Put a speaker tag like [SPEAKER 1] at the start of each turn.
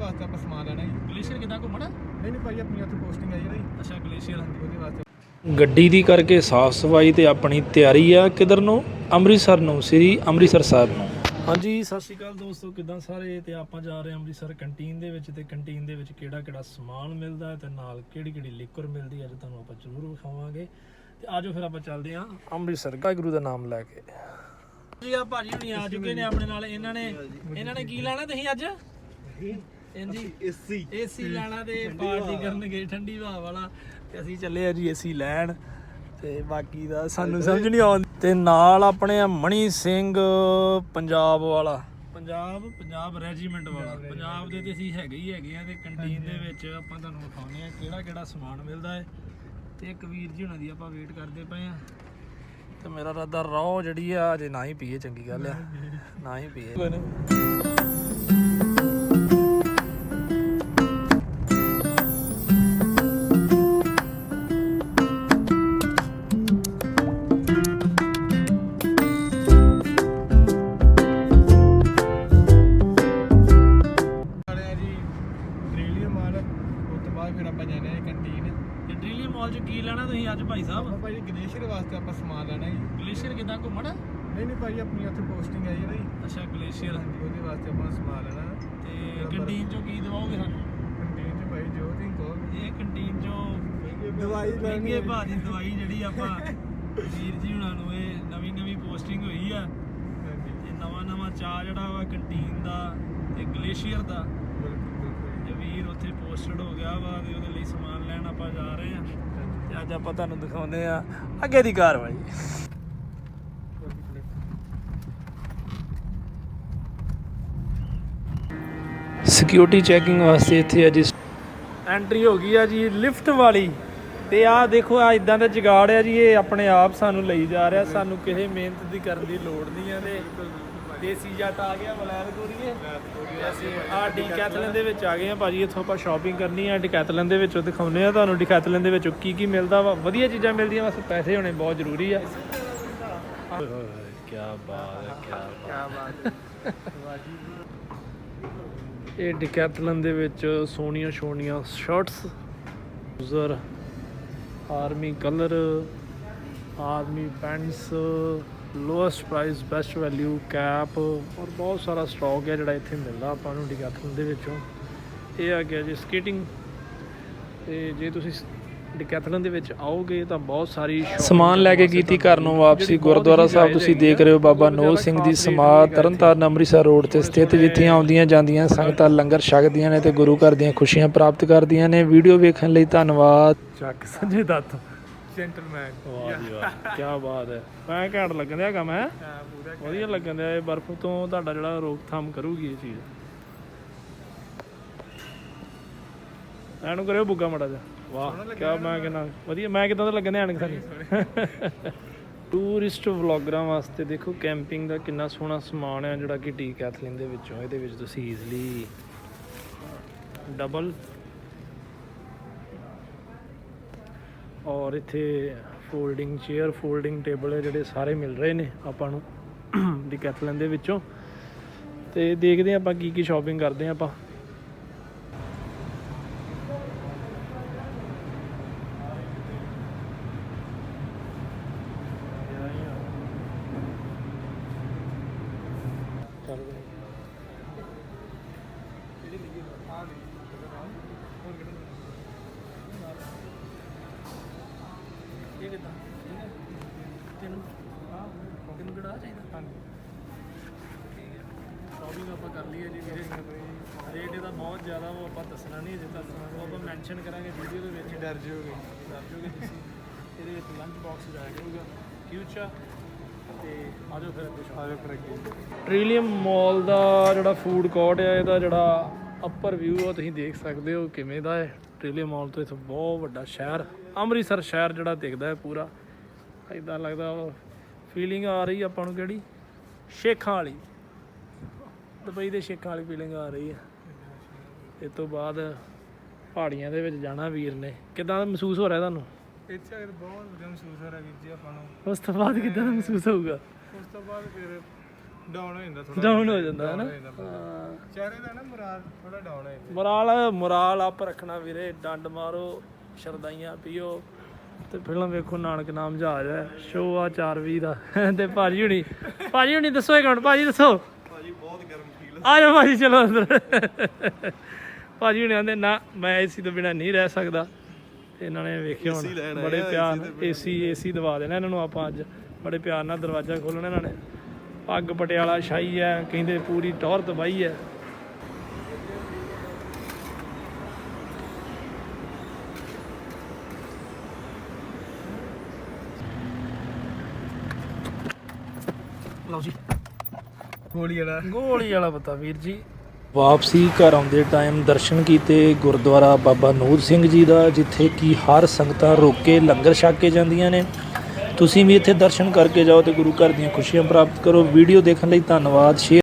[SPEAKER 1] ਵਾਸਤੇ ਆਪਾਂ ਸਮਾਨ ਲੈਣਾ ਜੀ।
[SPEAKER 2] ਗਲੇਸ਼ੀਅਰ ਕਿੱਦਾਂ ਘੁੰਮਣਾ?
[SPEAKER 1] ਨਹੀਂ ਭਾਈ ਆਪਣੀ ਉੱਥੇ ਪੋਸਟਿੰਗ ਆਈ ਹੈ ਨਾ ਜੀ।
[SPEAKER 2] ਅੱਛਾ ਗਲੇਸ਼ੀਅਰ
[SPEAKER 1] ਉਹਦੇ ਵਾਸਤੇ
[SPEAKER 3] ਗੱਡੀ ਦੀ ਕਰਕੇ ਸਾਫ ਸਫਾਈ ਤੇ ਆਪਣੀ ਤਿਆਰੀ ਆ ਕਿਧਰ ਨੂੰ? ਅੰਮ੍ਰਿਤਸਰ ਨੂੰ, ਸ੍ਰੀ ਅੰਮ੍ਰਿਤਸਰ ਸਾਹਿਬ ਨੂੰ।
[SPEAKER 2] ਹਾਂਜੀ ਸਤਿ ਸ਼੍ਰੀ ਅਕਾਲ ਦੋਸਤੋ, ਕਿੱਦਾਂ ਸਾਰੇ? ਤੇ ਆਪਾਂ ਜਾ ਰਹੇ ਹਾਂ ਅੰਮ੍ਰਿਤਸਰ ਕੰਟੀਨ ਦੇ ਵਿੱਚ, ਤੇ ਕੰਟੀਨ ਦੇ ਵਿੱਚ ਕਿਹੜਾ ਕਿਹੜਾ ਸਮਾਨ ਮਿਲਦਾ ਹੈ ਤੇ ਨਾਲ ਕਿਹੜੀ ਕਿਹੜੀ ਲਿਕਰ ਮਿਲਦੀ ਹੈ ਅੱਜ ਤੁਹਾਨੂੰ ਆਪਾਂ ਜ਼ਰੂਰ ਵਿਖਾਵਾਂਗੇ। ਤੇ ਆਜੋ ਫਿਰ ਆਪਾਂ ਚੱਲਦੇ ਹਾਂ ਅੰਮ੍ਰਿਤਸਰ, ਵਾਹਿਗੁਰੂ ਦਾ ਨਾਮ ਲੈ ਕੇ। ਜੀ ਆ ਭਾਜੀ ਹੁਣੀ ਆ ਚੁੱਕੇ ਨੇ ਆਪਣੇ ਨਾਲ। ਇਹਨਾਂ ਨੇ ਕੀ ਲੈਣਾ ਤੁਸੀਂ ਅੱਜ? ਹਾਂਜੀ ਏਸੀ ਲੈਣਾ ਤੇ ਪਾਰਟੀ ਕਰਨਗੇ ਠੰਡੀ ਹਵਾ ਵਾਲਾ, ਤੇ ਅਸੀਂ ਚੱਲੇ ਆ ਜੀ ਏਸੀ ਲੈਣ। ਤੇ ਬਾਕੀ ਦਾ ਸਾਨੂੰ ਸਮਝ ਨਹੀਂ ਆਉਂਦੀ। ਤੇ ਨਾਲ ਆਪਣੇ ਆ ਮਣੀ ਸਿੰਘ ਪੰਜਾਬ ਵਾਲਾ, ਪੰਜਾਬ ਰੈਜੀਮੈਂਟ ਵਾਲਾ, ਪੰਜਾਬ ਦੇ ਤੇ ਅਸੀਂ ਹੈਗੇ ਆ। ਤੇ ਕੰਟੀਨ ਦੇ ਵਿੱਚ ਆਪਾਂ ਤੁਹਾਨੂੰ ਵਿਖਾਉਂਦੇ ਆ ਕਿਹੜਾ ਕਿਹੜਾ ਸਮਾਨ ਮਿਲਦਾ ਹੈ। ਤੇ ਇੱਕ ਵੀਰ ਜੀ ਹੁਣਾਂ ਦੀ ਆਪਾਂ ਵੇਟ ਕਰਦੇ ਪਏ ਆ। ਤੇ ਮੇਰਾ ਇਰਾਦਾ ਰੌ ਜਿਹੜੀ ਆ ਅਜੇ ਨਾ ਹੀ ਪੀਏ, ਚੰਗੀ ਗੱਲ ਆ ਨਾ ਹੀ ਪੀਏ। ਕੀ ਲੈਣਾ ਤੁਸੀਂ ਅੱਜ ਭਾਈ ਸਾਹਿਬ?
[SPEAKER 1] ਆਪਾਂ ਭਾਈ ਗਲੇਸ਼ੀਅਰ ਵਾਸਤੇ ਆਪਾਂ ਸਮਾਨ ਲੈਣਾ ਜੀ।
[SPEAKER 2] ਗਲੇਸ਼ੀਅਰ ਕਿੱਦਾਂ ਘੁੰਮਣਾ?
[SPEAKER 1] ਨਹੀਂ ਭਾਈ ਆਪਣੀ ਉੱਥੇ ਪੋਸਟਿੰਗ ਆਈ ਹੈ ਨਾ ਜੀ।
[SPEAKER 2] ਅੱਛਾ ਗਲੇਸ਼ੀਅਰ
[SPEAKER 1] ਉਹਦੇ ਵਾਸਤੇ ਆਪਾਂ ਸਮਾਨ ਲੈਣਾ।
[SPEAKER 2] ਤੇ ਕੰਟੀਨ ਚੋਂ ਕੀ ਦਵਾਓਗੇ ਸਾਨੂੰ?
[SPEAKER 1] ਕੰਟੀਨ 'ਚ ਭਾਈ ਜੋ ਤੁਸੀਂ ਕਹੋ।
[SPEAKER 2] ਇਹ ਕੰਟੀਨ ਚੋਂ
[SPEAKER 1] ਦਵਾਈ
[SPEAKER 2] ਮਹਿੰਗੇ ਭਾਅ ਦੀ ਦਵਾਈ ਜਿਹੜੀ ਆਪਾਂ ਵੀਰ ਜੀ ਹੁਣਾਂ ਨੂੰ, ਇਹ ਨਵੀਂ ਪੋਸਟਿੰਗ ਹੋਈ ਆ ਤੇ ਨਵਾਂ ਚਾਹ ਜਿਹੜਾ ਵਾ ਕੰਟੀਨ ਦਾ ਤੇ ਗਲੇਸ਼ੀਅਰ ਦਾ। ਤੇ ਵੀਰ ਉੱਥੇ ਪੋਸਟਡ ਹੋ ਗਿਆ ਵਾ ਤੇ ਉਹਦੇ ਲਈ ਸਮਾਨ ਲੈਣ ਆਪਾਂ ਜਾ ਰਹੇ ਆ। ਤੇ ਅੱਜ ਆਪਾਂ ਤੁਹਾਨੂੰ ਦਿਖਾਉਂਦੇ ਆ ਅੱਗੇ ਦੀ ਕਾਰਵਾਈ।
[SPEAKER 3] ਸਿਕਿਉਰਿਟੀ ਚੈਕਿੰਗ ਵਾਸਤੇ ਇੱਥੇ ਅੱਜ
[SPEAKER 2] ਐਂਟਰੀ ਹੋ ਗਈ ਆ ਜੀ ਲਿਫਟ ਵਾਲੀ। ਤੇ ਆਹ ਦੇਖੋ ਆ ਇਦਾਂ ਦਾ ਜੁਗਾੜ ਆ ਜੀ, ਇਹ ਆਪਣੇ ਆਪ ਸਾਨੂੰ ਲਈ ਜਾ ਰਿਹਾ, ਸਾਨੂੰ ਕਿਸੇ ਮਿਹਨਤ ਦੀ ਕਰਨ ਦੀ ਲੋੜ ਨਹੀਂ ਆ। ਤੇ ਦੇਸੀ ਜੱਟ ਆ ਗਿਆ ਬਲੈਰ ਕੋਰੀਏ। ਅਸੀਂ ਆ ਡੀਕੈਥਲਨ ਦੇ ਵਿੱਚ ਆ ਗਏ ਆ ਭਾਜੀ। ਇੱਥੋਂ ਆਪਾਂ ਸ਼ਾਪਿੰਗ ਕਰਨੀ ਆ ਡੀਕੈਥਲਨ ਦੇ ਵਿੱਚੋਂ, ਦਿਖਾਉਂਦੇ ਆ ਤੁਹਾਨੂੰ ਡੀਕੈਥਲਨ ਦੇ ਵਿੱਚੋਂ ਕੀ ਮਿਲਦਾ ਵਾ। ਵਧੀਆ ਚੀਜ਼ਾਂ ਮਿਲਦੀਆਂ, ਬਸ ਪੈਸੇ ਹੋਣੇ ਬਹੁਤ ਜ਼ਰੂਰੀ ਆ। ਕੀ ਬਾਤ ਹੈ। ਇਹ ਡੀਕੈਥਲਨ ਦੇ ਵਿੱਚ ਸੋਹਣੀਆਂ shirts, user army colour, army pants, lowest price best value cap, ਔਰ ਬਹੁਤ ਸਾਰਾ ਸਟਾਕ ਹੈ ਜਿਹੜਾ ਇੱਥੇ ਮਿਲਦਾ ਆਪਾਂ ਨੂੰ ਡੀਕੈਥਲਨ ਦੇ ਵਿੱਚੋਂ। ਇਹ ਆ ਗਿਆ ਜੀ ਸਕੇਟਿੰਗ। ਤੇ ਜੇ ਤੁਸੀਂ ਡੀਕੈਥਲਨ ਦੇ ਵਿੱਚ ਆਓਗੇ ਤਾਂ ਬਹੁਤ ਸਾਰੀ
[SPEAKER 3] ਸਮਾਨ ਲੈ ਕੇ ਕੀਤੀ ਘਰ ਨੂੰ ਵਾਪਸੀ। ਗੁਰਦੁਆਰਾ ਸਾਹਿਬ ਤੁਸੀਂ ਦੇਖ ਰਹੇ ਹੋ, ਬਾਬਾ ਨੋਲ ਸਿੰਘ ਦੀ ਸਮਾਧ, ਤਰਨਤਾਰਨ ਅੰਮ੍ਰਿਤਸਰ ਰੋਡ ਤੇ ਸਥਿਤ, ਜਿੱਥੇ ਆਉਂਦੀਆਂ ਜਾਂਦੀਆਂ ਸੰਗਤਾਂ ਲੰਗਰ ਛਕਦੀਆਂ ਨੇ ਤੇ ਗੁਰੂ ਘਰ ਦੀਆਂ ਖੁਸ਼ੀਆਂ ਪ੍ਰਾਪਤ ਕਰਦੀਆਂ ਨੇ। ਵੀਡੀਓ ਵੇਖਣ ਲਈ ਧੰਨਵਾਦ।
[SPEAKER 2] ਚੱਕ ਸੰਜੇ ਦੱਤ
[SPEAKER 1] ਜੈਂਟਲਮੈਨ।
[SPEAKER 2] ਵਾਹ ਜੀ ਵਾਹ, ਕੀ ਬਾਤ ਹੈ। ਮੈਂ ਘੈਂਟ ਲੱਗਣ ਦਿਆ ਕੰਮ ਹੈ, ਵਧੀਆ ਲੱਗਣ ਦਿਆ। ਇਹ ਬਰਫ਼ ਤੋਂ ਤੁਹਾਡਾ ਜਿਹੜਾ ਰੋਕਥਾਮ ਕਰੂਗੀ ਇਹ ਚੀਜ਼। ਐਨੂੰ ਕਰਿਓ ਬੁੱਗਾ ਮਾੜਾ ਜਿਹਾ। ਵਾਹ ਕਿਆ, ਮੈਂ ਕਹਿੰਦਾ ਵਧੀਆ। ਮੈਂ ਕਿੱਦਾਂ ਦਾ ਲੱਗਣ ਦਿਆ ਐਨਕ ਸਾਨੂੰ? ਟੂਰਿਸਟ ਵਲੌਗਰਾਂ ਵਾਸਤੇ ਦੇਖੋ ਕੈਂਪਿੰਗ ਦਾ ਕਿੰਨਾ ਸੋਹਣਾ ਸਮਾਨ ਹੈ ਜਿਹੜਾ ਕਿ ਡੀਕੈਥਲਨ ਦੇ ਵਿੱਚੋਂ। ਇਹਦੇ ਵਿੱਚ ਤੁਸੀਂ ਈਜ਼ਲੀ ਡਬਲ ਔਰ ਇੱਥੇ ਫੋਲਡਿੰਗ ਚੇਅਰ, ਫੋਲਡਿੰਗ ਟੇਬਲ ਹੈ ਜਿਹੜੇ ਸਾਰੇ ਮਿਲ ਰਹੇ ਨੇ ਆਪਾਂ ਨੂੰ ਡੀਕੈਥਲਨ ਦੇ ਵਿੱਚੋਂ। ਤੇ ਦੇਖਦੇ ਹਾਂ ਆਪਾਂ ਕੀ ਸ਼ਾਪਿੰਗ ਕਰਦੇ ਹਾਂ ਆਪਾਂ। ਇਹ ਕਿੱਦਾਂ ਤੈਨੂੰ ਕਿਹੜਾ ਚਾਹੀਦਾ? ਹਾਂਜੀ ਠੀਕ ਹੈ। ਸ਼ਾਪਿੰਗ ਆਪਾਂ ਕਰ ਲਈਏ ਜੀ ਵੀਰੇ। ਰੇਟ ਇਹਦਾ ਬਹੁਤ ਜ਼ਿਆਦਾ, ਉਹ ਆਪਾਂ ਦੱਸਣਾ ਨਹੀਂ ਜੇ ਤੁਹਾਨੂੰ, ਉਹ ਆਪਾਂ ਮੈਂਸ਼ਨ ਕਰਾਂਗੇ ਵੀਡੀਓ ਦੇ ਵਿੱਚ।
[SPEAKER 1] ਡਰ ਜਾਓਗੇ
[SPEAKER 2] ਤੁਸੀਂ। ਇਹਦੇ ਵਿੱਚ ਲੰਚ ਬਾਕਸ ਜਾਇਆ ਕਰੂਗਾ ਫਿਊਚਰ। ਤੇ ਆਜੋ ਫਿਰ ਅੱਗੇ ਟ੍ਰਿਲੀਅਮ ਮਾਲ ਦਾ ਜਿਹੜਾ ਫੂਡ ਕੋਰਟ ਹੈ, ਇਹਦਾ ਜਿਹੜਾ ਅੱਪਰ ਵਿਊ ਉਹ ਤੁਸੀਂ ਦੇਖ ਸਕਦੇ ਹੋ ਕਿਵੇਂ ਦਾ ਹੈ। ਟ੍ਰਿਲੀਅਮ ਮਾਲ ਤੋਂ ਇੱਥੋਂ ਬਹੁਤ ਵੱਡਾ ਸ਼ਹਿਰ ਅੰਮ੍ਰਿਤਸਰ ਸ਼ਹਿਰ ਜਿਹੜਾ ਦਿਖਦਾ ਹੈ ਪੂਰਾ। ਇੱਦਾਂ ਲੱਗਦਾ ਫੀਲਿੰਗ ਆ ਰਹੀ ਆਪਾਂ ਨੂੰ, ਕਿਹੜੀ ਸ਼ੇਖਾਂ ਵਾਲੀ, ਦੁਬਈ ਦੇ ਸ਼ੇਖਾਂ ਵਾਲੀ ਫੀਲਿੰਗ ਆ ਰਹੀ ਹੈ। ਇਸ ਤੋਂ ਬਾਅਦ ਪਹਾੜੀਆਂ ਦੇ ਵਿੱਚ ਜਾਣਾ ਵੀਰ ਨੇ। ਕਿੱਦਾਂ ਦਾ ਮਹਿਸੂਸ ਹੋ ਰਿਹਾ ਤੁਹਾਨੂੰ?
[SPEAKER 1] ਇੱਥੇ ਬਹੁਤ ਵਧੀਆ ਮਹਿਸੂਸ ਹੋ ਰਿਹਾ ਵੀਰ ਜੀ ਆਪਾਂ ਨੂੰ।
[SPEAKER 2] ਉਸ ਤੋਂ ਬਾਅਦ ਕਿੱਦਾਂ ਦਾ ਮਹਿਸੂਸ ਹੋਊਗਾ?
[SPEAKER 1] ਉਸ ਤੋਂ ਬਾਅਦ ਫਿਰ ਡਾਊਨ ਹੋ ਜਾਂਦਾ ਥੋੜਾ
[SPEAKER 2] ਡਾਊਨ ਹੋ ਜਾਂਦਾ ਹੈ ਨਾ
[SPEAKER 1] ਚਿਹਰੇ ਦਾ ਨਾ ਮੁਰਾਦ ਥੋੜਾ ਡਾਊਨ ਹੋ ਜਾਂਦਾ
[SPEAKER 2] ਮੁਰਾਲ ਆਪ ਰੱਖਣਾ ਵੀਰੇ, ਡੰਡ ਮਾਰੋ, ਸ਼ਰਦਾਈਆਂ ਪੀਓ ਤੇ ਫਿਲਮ ਵੇਖੋ। ਨਾਨਕ ਨਾਮ ਜਹਾਜ਼ ਹੈ, ਸ਼ੋਅ ਆ 4:20 ਦਾ ਤੇ ਭਾਜੀ ਹੁਣੀ ਦੱਸੋ ਇੱਕ ਮਿੰਟ, ਭਾਜੀ ਦੱਸੋ।
[SPEAKER 1] ਭਾਜੀ ਬਹੁਤ ਗਰਮ ਫੀਲ
[SPEAKER 2] ਆ ਜਾਓ ਭਾਜੀ, ਚਲੋ ਅੰਦਰ। ਭਾਜੀ ਹੁਣੀ ਆਂਦੇ ਨਾ ਮੈਂ ਏਸੀ ਤੋਂ ਬਿਨਾਂ ਨਹੀਂ ਰਹਿ ਸਕਦਾ। ਤੇ ਇਹਨਾਂ ਨੇ ਵੇਖਿਓ ਹੁਣ ਬੜੇ ਪਿਆਰ ਏਸੀ ਦਵਾ ਦੇਣਾ ਇਹਨਾਂ ਨੂੰ ਆਪਾਂ ਅੱਜ। ਬੜੇ ਪਿਆਰ ਨਾਲ ਦਰਵਾਜ਼ਾ ਖੋਲ੍ਹਣਾ ਇਹਨਾਂ ਨੇ। ਪੱਗ ਪਟਿਆਲਾ ਸ਼ਾਹੀ ਹੈ, ਕਹਿੰਦੇ ਪੂਰੀ ਟੌਰ ਦਬਾਈ ਹੈ। ਲਓ ਜੀ ਗੋਲੀ ਵਾਲਾ ਪਤਾ ਵੀਰ ਜੀ।
[SPEAKER 3] ਵਾਪਸੀ ਘਰ ਆਉਂਦੇ ਟਾਈਮ ਦਰਸ਼ਨ ਕੀਤੇ ਗੁਰਦੁਆਰਾ ਬਾਬਾ ਨੂਰ ਸਿੰਘ ਜੀ ਦਾ, ਜਿੱਥੇ ਕਿ ਹਰ ਸੰਗਤਾਂ ਰੁਕ ਕੇ ਲੰਗਰ ਛਕ ਕੇ ਜਾਂਦੀਆਂ ਨੇ। ਤੁਸੀਂ ਵੀ ਇੱਥੇ ਦਰਸ਼ਨ ਕਰਕੇ ਜਾਓ ਤੇ ਗੁਰੂ ਘਰ ਦੀਆਂ ਖੁਸ਼ੀਆਂ ਪ੍ਰਾਪਤ ਕਰੋ। ਵੀਡੀਓ ਦੇਖਣ ਲਈ ਧੰਨਵਾਦ। ਸ਼ੇਅਰ